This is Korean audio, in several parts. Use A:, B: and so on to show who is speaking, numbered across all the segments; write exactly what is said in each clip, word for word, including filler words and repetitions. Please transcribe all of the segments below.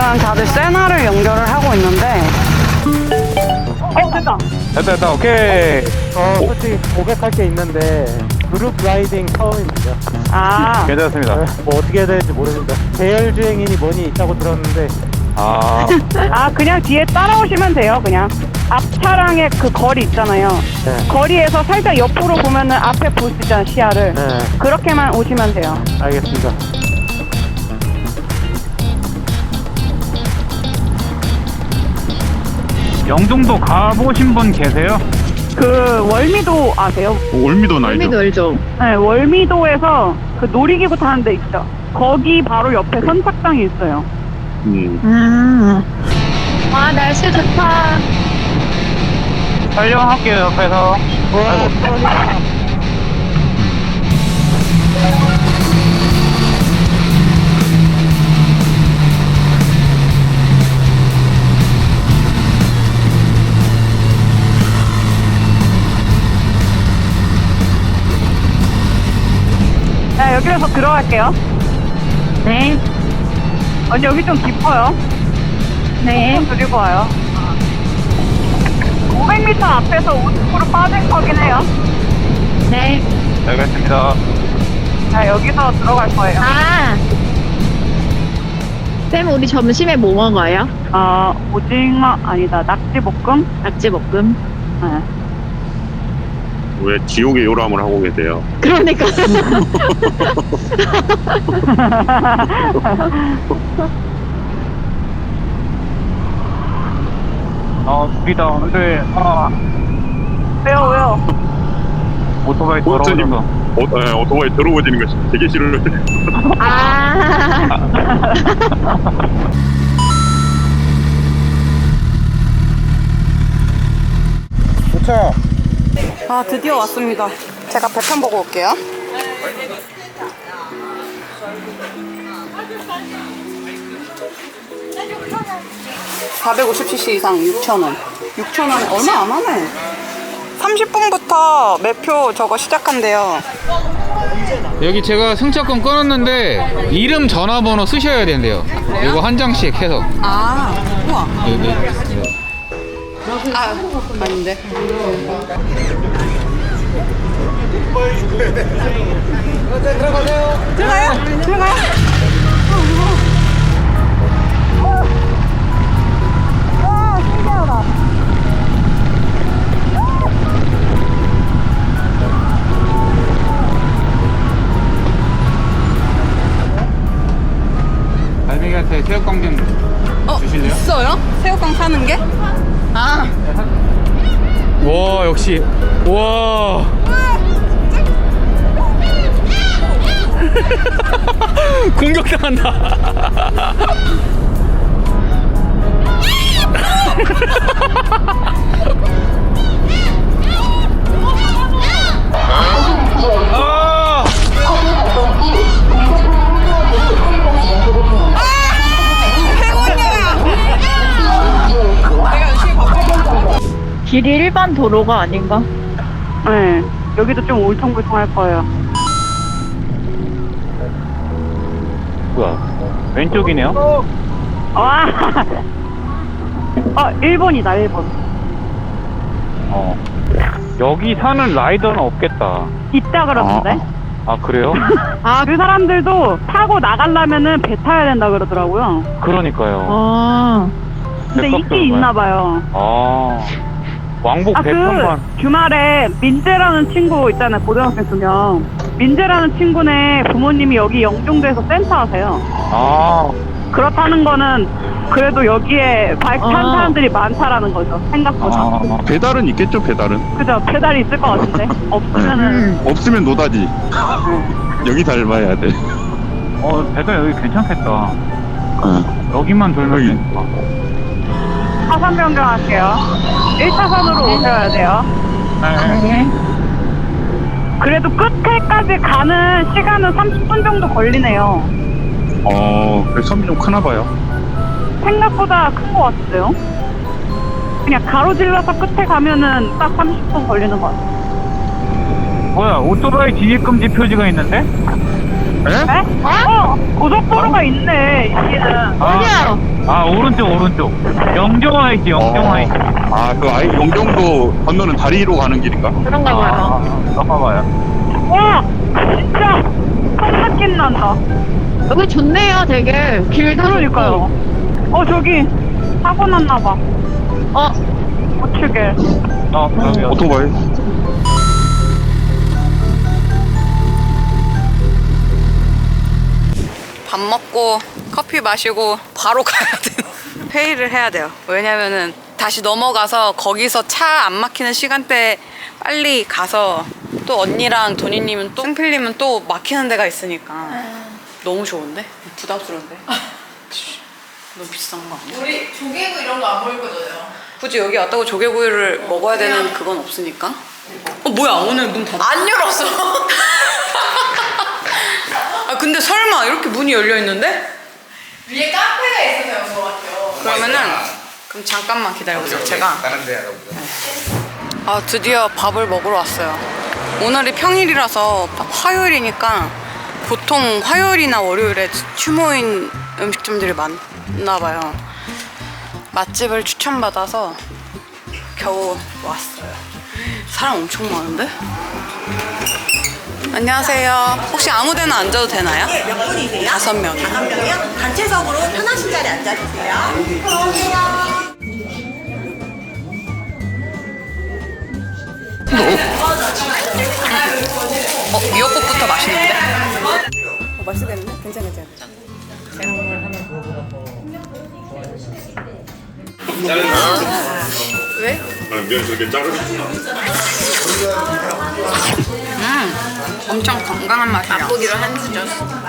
A: 지금 다들 세나를 연결을 하고 있는데. 어, 됐다.
B: 됐다 됐다 오케이.
C: 어, 솔직히 고백할 게 있는데 그룹 라이딩 처음입니다.
A: 아,
B: 괜찮습니다.
C: 네, 뭐 어떻게 해야 되는지 모르겠다. 대열주행인이 뭐니 있다고 들었는데
B: 아
A: 아, 그냥 뒤에 따라오시면 돼요, 그냥. 앞 차량의 그 거리 있잖아요.
C: 네.
A: 거리에서 살짝 옆으로 보면은 앞에 볼 수 있잖아요, 시야를.
C: 네,
A: 그렇게만 오시면 돼요.
C: 알겠습니다.
B: 영종도 가보신 분 계세요?
A: 그 월미도 아세요?
D: 올미도는 알죠?
E: 의미도 알죠?
A: 네, 월미도에서 그 놀이기구 타는 데 있죠. 거기 바로 옆에 선착장이 있어요.
D: 음.
E: 음. 와, 날씨 좋다.
B: 촬영할게요 옆에서. 아이고.
A: 네, 여기에서 들어갈게요.
E: 네.
A: 언니, 여기 좀 깊어요.
E: 네.
A: 그리고 와요. 오백 미터 앞에서 오십 퍼센트 빠진 거긴 해요.
E: 네.
B: 알겠습니다.
A: 자, 여기서 들어갈 거예요.
E: 아. 쌤, 우리 점심에 뭐 먹어요?
A: 어, 오징어, 아니다, 낙지볶음?
E: 낙지볶음.
A: 네.
D: 왜 지옥의 요람을 하고 계세요?
E: 그러니까.
B: 아 죽이다. 근데 아
A: 왜요, 왜요?
B: 오토바이
D: 보트님,
B: 더러워져서.
D: 어, 네, 오토바이 더러워지는 거 되게 싫어요.
E: 아.
C: 도착!
A: 아, 드디어 왔습니다. 제가 배편 보고 올게요. 사백오십 씨씨 이상 육천 원. 육천 원 얼마 안 하네. 삼십 분부터 매표 저거 시작한대요.
F: 여기 제가 승차권 끊었는데 이름 전화번호 쓰셔야 된대요. 이거 한 장씩 해서.
A: 아, 우와.
F: 여기, 여기.
A: 아, 아닌데. 들어가요? 들어가요? 와, 신기하다.
F: 갈매기한테 새우깡 좀
A: 어,
F: 주실래요?
A: 있어요? 새우깡 사는 게? 아,
F: 와 역시 와. 공격당한다. 아!
E: 길이 일반 도로가 아닌가?
A: 네. 여기도 좀 울퉁불퉁할 거예요.
B: 뭐야? 왼쪽이네요?
A: 와, 어, 일본이다, 일본.
B: 어. 여기 사는 라이더는 없겠다.
A: 있다 그러던데?
B: 아 그래요?
E: 아,
A: 그 사람들도 타고 나가려면은 배 타야 된다 그러더라고요.
B: 그러니까요.
E: 아.
A: 근데
B: 배값도
A: 있긴
B: 얼마야?
A: 있나 봐요.
B: 아 왕복
A: 아, 그
B: 배편만.
A: 주말에 민재라는 친구 있잖아요, 고등학생 두 명. 민재라는 친구네 부모님이 여기 영종도에서 센터 하세요.
B: 아
A: 그렇다는 거는 그래도 여기에 바이크 탄
E: 아.
A: 사람들이 많다라는 거죠, 생각보다.
B: 아,
D: 배달은 있겠죠, 배달은?
A: 그죠? 페달이 있을 것 같은데? 없으면은.
E: 음.
D: 없으면 노다지. 여기 닮아야 돼.
B: 어 배달 여기 괜찮겠다.
D: 어.
B: 여기만 돌면
D: 여기.
B: 되니까.
A: 차선 변경할게요. 일 차선으로 오셔야 돼요.
B: 네.
E: 네.
A: 그래도 끝에까지 가는 시간은 삼십 분 정도 걸리네요.
D: 어, 그 섬이 좀 크나 봐요.
A: 생각보다 큰 것 같은데요? 그냥 가로질러서 끝에 가면은 딱 삼십 분 걸리는 것 같아요.
B: 뭐야 오토바이 진입 금지 표지가 있는데?
A: 에? 어? 고속도로가 있네, 여기는.
E: 어디야?
B: 아, 오른쪽, 오른쪽. 영종화 있지, 영종화 있지.
D: 아, 그 아이 용정도 건너는 다리로 가는 길인가?
E: 그런가 봐요.
B: 아, 잠깐만요.
A: 와! 진짜! 큰 느낌 난다.
E: 여기 좋네요, 되게. 길도
A: 그러니까요. 어, 저기, 사고 났나봐.
E: 좋고. 어,
A: 우측에.
B: 어, 여기,
D: 오토바이.
G: 밥 먹고 커피 마시고 바로 가야 돼요. 회의를 해야 돼요. 왜냐면은 다시 넘어가서 거기서 차 안 막히는 시간대에 빨리 가서 또 언니랑 도니님은 또 승필님은 또 막히는 데가 있으니까 너무 좋은데? 부담스러운데? 너무 비싼 거 아니야?
H: 우리 조개구 이런 거 안 먹을 거잖아요.
G: 굳이 여기 왔다고 조개구이를 먹어야 되는 그건 없으니까. 어 뭐야 오늘 문 닫았어?
H: 안 열었어.
G: 아 근데 설마 이렇게 문이 열려 있는데?
H: 위에 카페가 있어서 연 거 같아요.
G: 그러면은 그럼 잠깐만 기다려보세요. 제가 아 드디어 밥을 먹으러 왔어요. 오늘이 평일이라서 화요일이니까 보통 화요일이나 월요일에 휴무인 음식점들이 많나 봐요. 맛집을 추천받아서 겨우 왔어요. 사람 엄청 많은데? 안녕하세요. 혹시 아무 데나 앉아도 되나요?
I: 예, 몇 분이세요?
G: 다섯 명이요.
I: 다섯 명이요? 단체석으로 편하신 자리 앉아주세요.
G: 어, 미역국부터 맛있는데? 어, 맛있겠는데? 괜찮아, 괜찮아. 왜?
D: 아, 미안, 저게 자르.
G: 음, 엄청 건강한 맛이야.
H: 맛보기로 한 수저.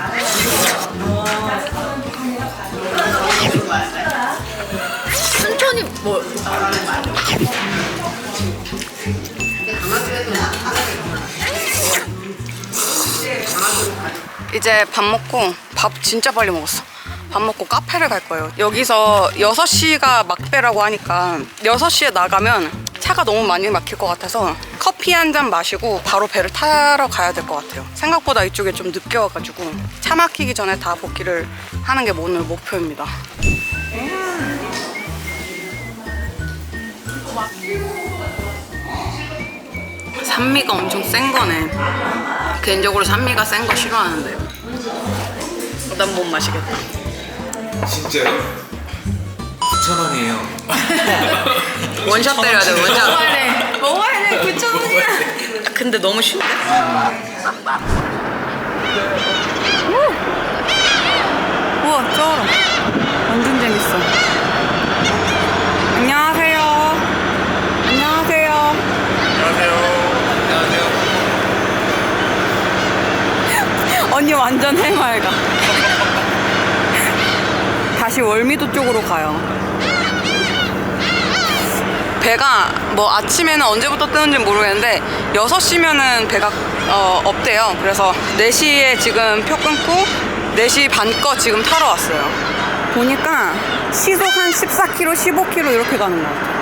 H: 천천히 뭐.
G: 이제 밥 먹고 밥 진짜 빨리 먹었어. 밥 먹고 카페를 갈 거예요. 여기서 여섯 시가 막배라고 하니까 여섯 시에 나가면 차가 너무 많이 막힐 것 같아서 커피 한 잔 마시고 바로 배를 타러 가야 될 것 같아요. 생각보다 이쪽에 좀 늦게 와가지고 차 막히기 전에 다 복귀를 하는 게 오늘 목표입니다. 산미가 엄청 센 거네. 개인적으로 산미가 센 거 싫어하는데 난 못 마시겠다.
J: 진짜요? 구천 원이에요.
G: 원샷 때려야 돼, 원샷.
H: 먹어야 돼. 먹어야 돼. 구천 원이야.
G: 근데 너무 쉽네. 우와, 쩔어. 완전 재밌어. 안녕하세요. 안녕하세요. 언니 완전 해맑아. 다시 월미도 쪽으로 가요. 배가 뭐 아침에는 언제부터 뜨는지 모르겠는데 여섯 시면은 배가 어, 없대요. 그래서 네 시에 지금 표 끊고 네 시 반 거 지금 타러 왔어요. 보니까 시속 한 십사 킬로미터, 십오 킬로미터 이렇게 가는 것 같아요.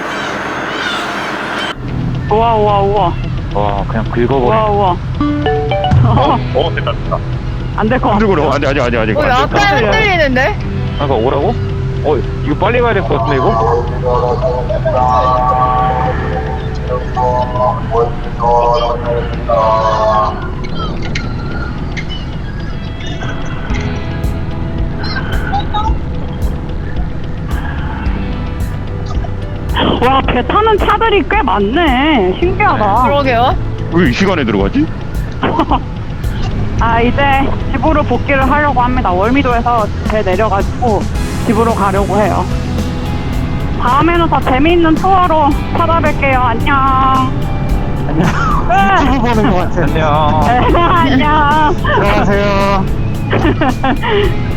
A: 우와, 우와, 우와.
B: 와, 그냥 긁어버려.
A: 우와, 우와.
B: 어, 됐다, 됐다.
A: 안 될 것 같아.
D: 흔들고 아직 아직 아직 아직.
E: 어,
D: 안 됐다.
E: 약간 흔들리는데?
B: 잠깐 오라고? 어, 이거 빨리 가야 될 것 같은데, 이거?
A: 와, 배 타는 차들이 꽤 많네. 신기하다.
E: 그러게요.
D: 왜 이 시간에 들어가지?
A: 아, 이제 집으로 복귀를 하려고 합니다. 월미도에서 배 내려가지고 집으로 가려고 해요. 다음에는 더 재미있는 투어로 찾아뵐게요. 안녕.
C: 유튜브 보는 것 같아.
B: 안녕.
A: 네, 안녕.
C: 들어가세요.